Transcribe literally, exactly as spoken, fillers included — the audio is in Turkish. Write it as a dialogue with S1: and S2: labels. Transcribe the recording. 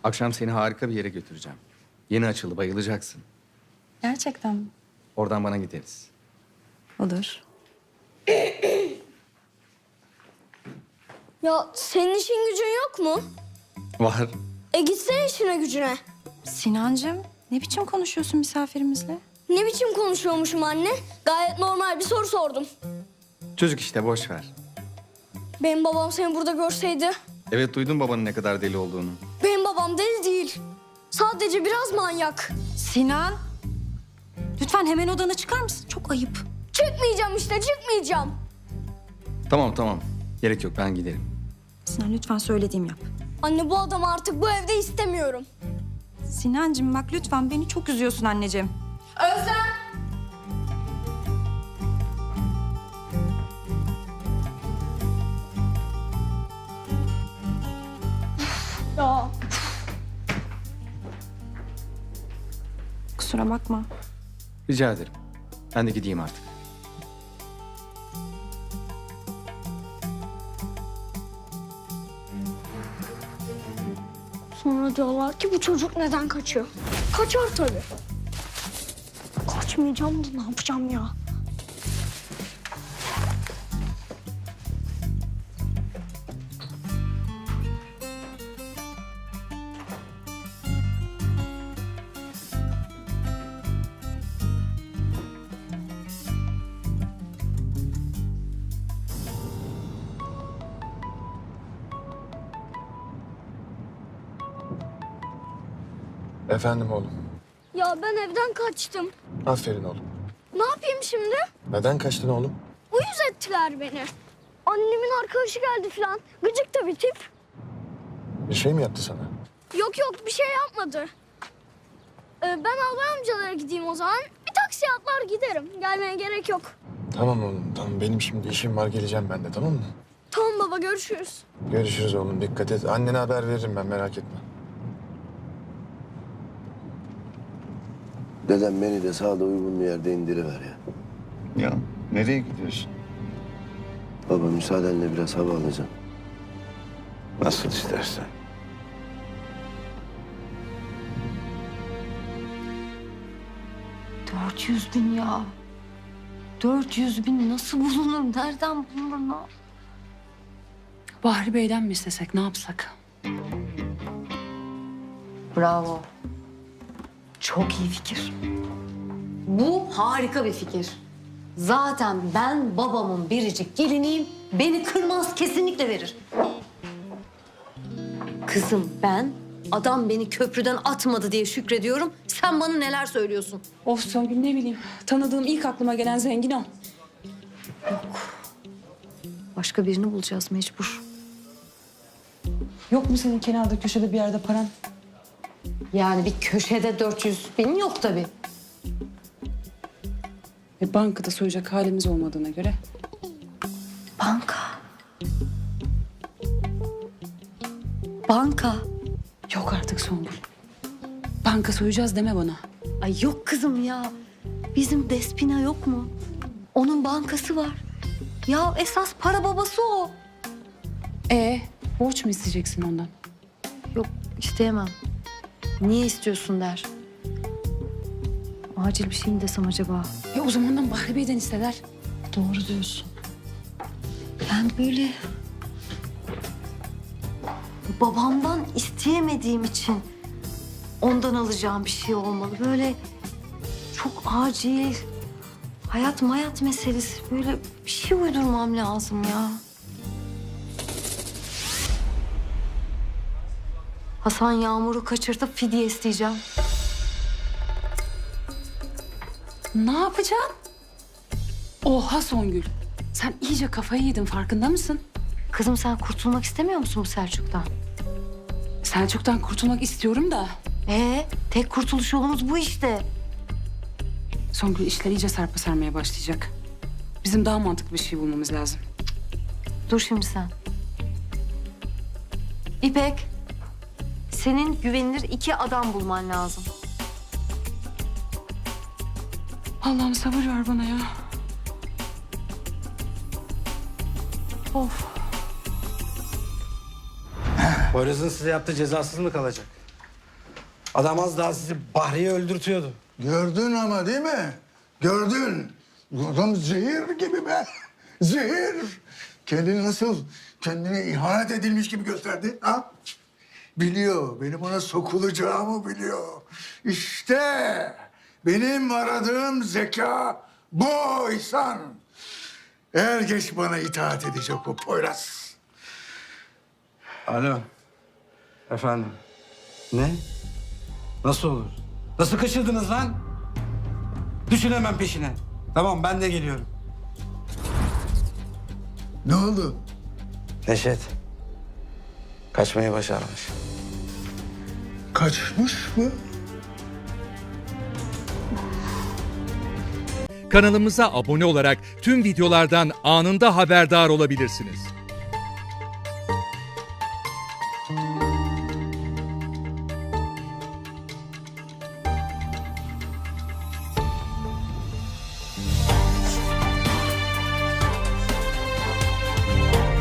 S1: Akşam seni harika bir yere götüreceğim. Yeni açıldı, bayılacaksın.
S2: Gerçekten mi?
S1: Oradan bana gideriz.
S2: Olur.
S3: Ya senin işin gücün yok mu?
S1: Var.
S3: E gitsene işine gücüne.
S2: Sinancığım, ne biçim konuşuyorsun misafirimizle?
S3: Ne biçim konuşuyormuşum anne? Gayet normal bir soru sordum.
S1: Çocuk işte, boş ver.
S3: Benim babam seni burada görseydi.
S1: Evet, duydum babanın ne kadar deli olduğunu.
S3: Benim babam deli değil. Sadece biraz manyak.
S2: Sinan, lütfen hemen odana çıkar mısın? Çok ayıp.
S3: Çıkmayacağım işte, çıkmayacağım.
S1: Tamam tamam, gerek yok, ben giderim.
S2: Sinan lütfen söylediğim yap.
S3: Anne bu adamı artık bu evde istemiyorum.
S2: Sinancığım bak lütfen beni çok üzüyorsun anneciğim.
S3: Özlem! Ya
S2: Kusura bakma.
S1: Rica ederim. Ben de gideyim artık.
S3: sonra diyorlar ki bu çocuk neden kaçıyor? Kaçar tabii. Kaçmayacağım da ne yapacağım ya?
S4: Efendim oğlum.
S3: Ya ben evden kaçtım.
S4: Aferin oğlum.
S3: Ne yapayım şimdi?
S4: Neden kaçtın oğlum?
S3: Uyuz ettiler beni. Annemin arkadaşı geldi falan. Gıcık da bir tip.
S4: Bir şey mi yaptı sana?
S3: Yok yok bir şey yapmadı. Ee, ben albay amcalara gideyim o zaman. Bir taksi atlar giderim. Gelmeye gerek yok.
S4: Tamam oğlum tamam. Benim şimdi işim var, geleceğim ben de, tamam mı?
S3: Tamam baba görüşürüz.
S4: Görüşürüz oğlum, dikkat et. Annene haber veririm ben, merak etme.
S5: Dedem beni de sağda uygun bir yerde indiriver ya.
S6: Ya nereye gidiyorsun?
S5: Baba müsaadenle biraz hava alacağım.
S6: Nasıl istersen.
S7: Dört yüz bin ya. Dört yüz bin nasıl bulunur? Nereden bulunur? Ne?
S8: Bahri Bey'den mi istesek, ne yapsak?
S7: Bravo. Çok iyi fikir. Bu harika bir fikir. Zaten ben babamın biricik geliniyim. Beni kırmaz, kesinlikle verir. Kızım ben adam beni köprüden atmadı diye şükrediyorum. Sen bana neler söylüyorsun?
S8: Of Songül, ne bileyim. Tanıdığım ilk aklıma gelen zengin o.
S7: Başka birini bulacağız mecbur.
S8: Yok mu senin kenarda köşede bir yerde paran?
S7: Yani bir köşede dört yüz bin yok tabii.
S8: E, bankada soyacak halimiz olmadığına göre.
S7: Banka. Banka.
S8: Yok artık Songül. Banka soyacağız deme bana.
S7: Ay yok kızım ya. Bizim Despina yok mu? Onun bankası var. Ya esas para babası o.
S8: E borç mu isteyeceksin ondan?
S7: Yok isteyemem. Niye istiyorsun der. Acil bir şey mi desem acaba?
S8: Ya o zamandan Bahri Bey'den isteler.
S7: Doğru diyorsun. Ben böyle babamdan isteyemediğim için ondan alacağım bir şey olmalı. Böyle çok acil, hayat mayat meselesi. Böyle bir şey uydurmam lazım ya. Hasan Yağmur'u kaçırtıp fidye isteyeceğim.
S8: Ne yapacaksın? Oha Songül. Sen iyice kafayı yedin, farkında mısın?
S7: Kızım sen kurtulmak istemiyor musun bu Selçuk'tan?
S8: Selçuk'tan kurtulmak istiyorum da.
S7: Ee, tek kurtuluş yolumuz bu işte.
S8: Songül, işler iyice sarpa sarmaya başlayacak. Bizim daha mantıklı bir şey bulmamız lazım.
S7: Dur şimdi sen. İpek, senin güvenilir iki adam bulman lazım.
S8: Allah'ım sabır ver bana ya.
S7: Of.
S9: Poyraz'ın size yaptığı cezasız mı kalacak? Adam az daha sizi Bahriye öldürtüyordu.
S10: Gördün ama değil mi? Gördün. Bu adam zehir gibi be. Zehir. Kendini nasıl, kendine ihanet edilmiş gibi gösterdi. Ha? Biliyor, benim ona sokulacağımı biliyor. İşte benim aradığım zeka bu İhsan. Er geç bana itaat edecek o Poyraz.
S9: Alo. Efendim. Ne? Nasıl olur? Nasıl kaçırdınız lan? Düşün hemen peşine. Tamam ben de geliyorum.
S10: Ne oldu?
S9: Neşet. Kaçmayı başarmış.
S10: Kaçmış mı?
S11: Kanalımıza abone olarak tüm videolardan anında haberdar olabilirsiniz.